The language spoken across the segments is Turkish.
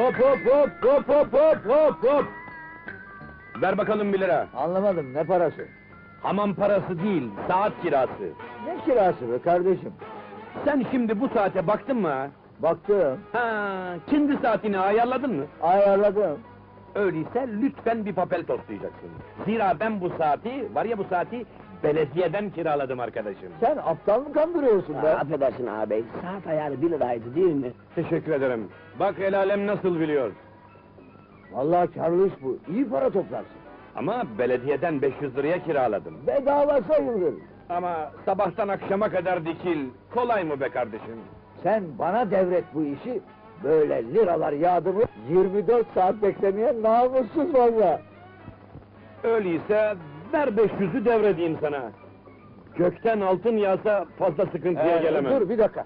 Hop hop hop hop hop hop hop hop! Ver bakalım 1 lira. Anlamadım, ne parası? Hamam parası değil, saat kirası. Ne kirası be kardeşim? Sen şimdi bu saate baktın mı ha? Baktım, Ha, kendi saatini ayarladın mı? ayarladım. Öyleyse lütfen bir papel toslayacaksın. Zira ben bu saati, var ya bu saati, belediyeden kiraladım arkadaşım. Sen aptal mı kandırıyorsun be? Affedersin ağabey, saat ayarı 1 liraydı değil mi? Teşekkür ederim. Bak el alem nasıl biliyor. Vallahi karlı iş bu, iyi para toplarsın. Ama belediyeden 500 liraya kiraladım. Bedava sayılır. Ama sabahtan akşama kadar dikil, kolay mı be kardeşim? Sen bana devret bu işi, böyle liralar yağdı mı, 24 saat beklemeye namussuz valla. Öyleyse ver 500'ü devredeyim sana. Gökten altın yağsa fazla sıkıntıya gelemem. Dur bir dakika.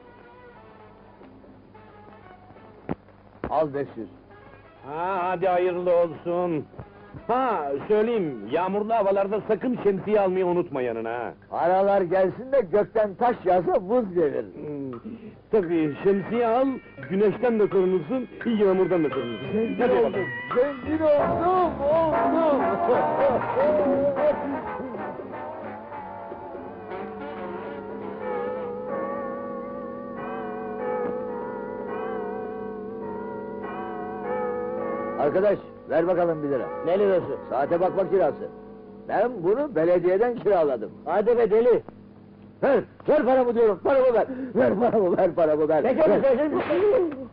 Al 500. Ha, hadi hayırlı olsun. Ha, söyleyeyim, yağmurlu havalarda sakın şemsiye almayı unutma yanına ha. Paralar gelsin de gökten taş yağsa buz gelir. Tabii, şemsiye al, güneşten de korunursun, yağmurdan da korunursun. Zengin Hadi oldum, bakalım. zengin oldum. Arkadaş, ver bakalım 1 lira. Ne lirası? Saate bakma kirası. Ben bunu belediyeden kiraladım. Hadi be deli! Ver paramı diyorum, paramı ver! Ver paramı, ver paramı, ver! Peki, Ver.